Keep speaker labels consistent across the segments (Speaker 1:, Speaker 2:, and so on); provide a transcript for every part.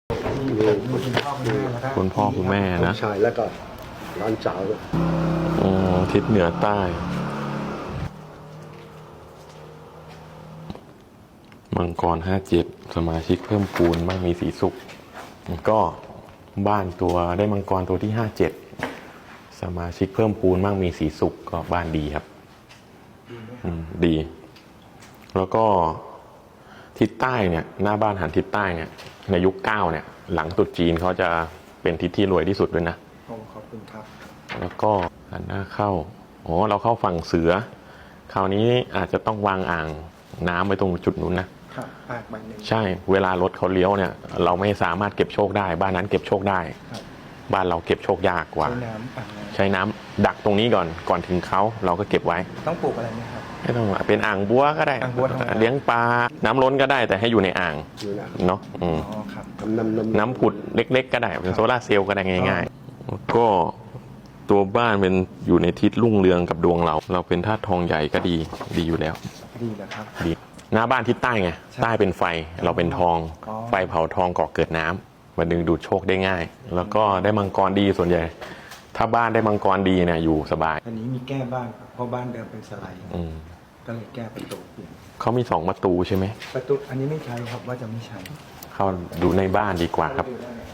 Speaker 1: คุณพ่อคุณแม่นะ
Speaker 2: ใช่แล้วก็ร้านสาว
Speaker 1: ทิศเหนือใต้มังกร57สมาชิกเพิ่มพูนบ้างมีสีสุขก็บ้านตัวได้มังกรตัวที่57สมาชิกเพิ่มพูนบ้างมีสีสุขก็บ้านดีครับดี แล้วก็ทิศใต้เนี่ยหน้าบ้านหันทิศใต้เนี่ยในยุค9เนี่ยหลังตรุษจีนเขาจะเป็นทิศที่รวยที่สุดด้วยนะ
Speaker 2: ขอบคุณครับ
Speaker 1: แล้วก็หันหน้าเข้าเราเข้าฝั่งเสือคราวนี้อาจจะต้องวางอ่างน้ำไว้ตรงจุดนู้นนะครับใช่เวลารถเขาเลี้ยวเนี่ยเราไม่สามารถเก็บโชคได้บ้านนั้นเก็บโชคได้บ้านเราเก็บโชคยากกว่าใช้น้ำดักตรงนี้ก่อนถึงเขาเราก็เก็บไว้
Speaker 2: ต้องปลูกอะไรไหมครับ
Speaker 1: ไม่ต้องเป็นอ่างบัวก็ได้เลี้ยงปลาน้ำล้นก็ได้แต่ให้อยู่ในอ่างเนาะน้ำผุดเล็กๆก็ได้เป็นโซล่าเซลล์ก็ได้ง่ายๆก็ตัวบ้านเป็นอยู่ในทิศรุ่งเรืองกับดวงเราเป็นธาตุทองใหญ่ก็ดีอยู่แล้ว
Speaker 2: ดีนะครับ
Speaker 1: ดีหน้าบ้านทิศใต้ไงใต้เป็นไฟเราเป็นทองไฟเผาทองก่อเกิดน้ำมาดึงดูดโชคได้ง่ายแล้วก็ได้มังกรดีส่วนใหญ่ถ้าบ้านได้มังกรดีเนี่ยอยู่สบาย
Speaker 2: อันนี้มีแก้บ้านเพราะบ้านเดิมเป็นสไลด์ก็เลยแก้ประตู
Speaker 1: เขามี2ประตูใช่ไหม
Speaker 2: ประตูอันนี้ไม่ใช่ครับว่าจะไม่ใช่
Speaker 1: เข้าดูในบ้านดีกว่าครับ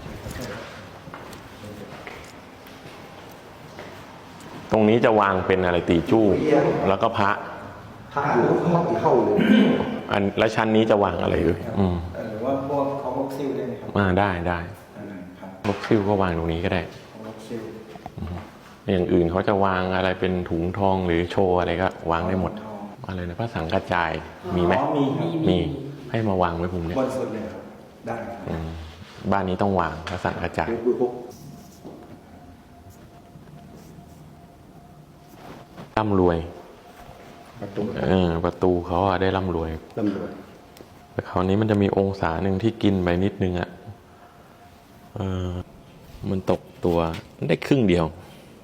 Speaker 1: ตรงนี้จะวางเป็นอะไรตีจู้แล้วก็พระ
Speaker 2: อยู่เข้าเลย
Speaker 1: แล้วชั้นนี้จะวางอะไรด้วย
Speaker 2: หรือว่าพวกของล็อกซิลได้ไหมครับ
Speaker 1: ได้ล็อกซิลก็วางตรงนี้ก็ได้อย่างอื่นเขาจะวางอะไรเป็นถุงทองหรือโชว์อะไรก็วางได้หมดอะไรนะพระสังฆจายมีไหมมีให้มาวางไว้ผมเนี่ย
Speaker 2: บนสุดเลยครับได้
Speaker 1: บ้านนี้ต้องวางพระสังฆจายร่ำรวยประตูเขาได้ร่ำรวยแต่คราวนี้มันจะมีองศาหนึ่งที่กินไปนิดนึงมันตกตัวได้ครึ่งเดียว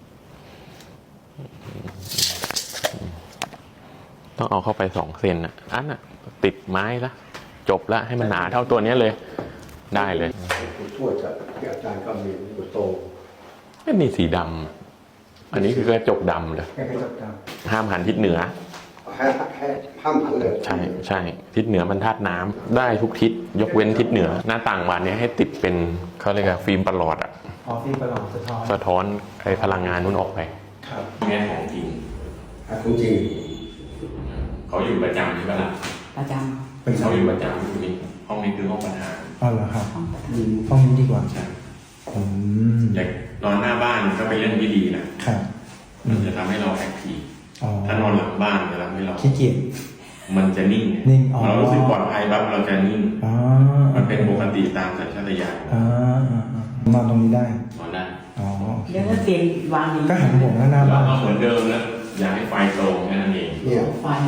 Speaker 1: ต้องเอาเข้าไป2 เซนอันติดไม้ละจบละให้มันหนาเท่าตัวนี้เลยได้เลย
Speaker 2: ทั่วจะอาจารย์ก็มีโต
Speaker 1: ไม่มีสีดำอันนี้คือกระจกดำเลยห้ามหันทิศเหนือ
Speaker 2: ห้ามหันเลย
Speaker 1: ใช่ทิศเหนือมันธาตุน้ำได้ทุกทิศยกเว้นทิศเหนือหน้าต่างบานนี้ให้ติดเป็นเขาเรียกว่าฟิล์มประหลอด
Speaker 2: ฟิล์มประหลอด
Speaker 1: สะท้อนไอ้พลังงานนู้นออกไปแง่ของจริงเขาอยู่ประจำใช่ไหมล่ะ
Speaker 3: ประจ
Speaker 1: ำเขาอยู่ประจำอยู่นี่ห้องนี้คือห้องประธาน
Speaker 2: เหรอครับห้องนี้ดีกว่า
Speaker 1: ใช่อยากนอนหน้าบ้านก็เป็นเรื่องที่ดีนะครับมันจะทำให้เราแอคทีฟถ้านอนหลังบ้านจะทำให้เรา
Speaker 2: ขี้เกียจ
Speaker 1: มันจะนิ่งเรารู้สึกปลอดภัยแบบเราจะนิ่งมันเป็นปกติตามสัญชาตญาณ
Speaker 2: นอนตรงนี้ได้
Speaker 1: นอนได้
Speaker 3: เดี๋ยวก็เตียงวางนี้
Speaker 2: ก็หันหัวหน้าบ้าน
Speaker 1: ก็เหมือนเดิมนะอยากให้ไฟตรงแค่นั้นเอง
Speaker 3: ไฟ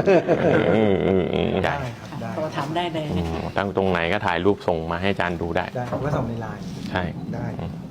Speaker 1: ได้
Speaker 3: เราทำได้เลย
Speaker 1: ตั้งตรงไหนก็ถ่ายรูปส่งมาให้อาจารย์ดูได้
Speaker 2: ก็ส่งในไลน์
Speaker 1: ใช่
Speaker 2: ได้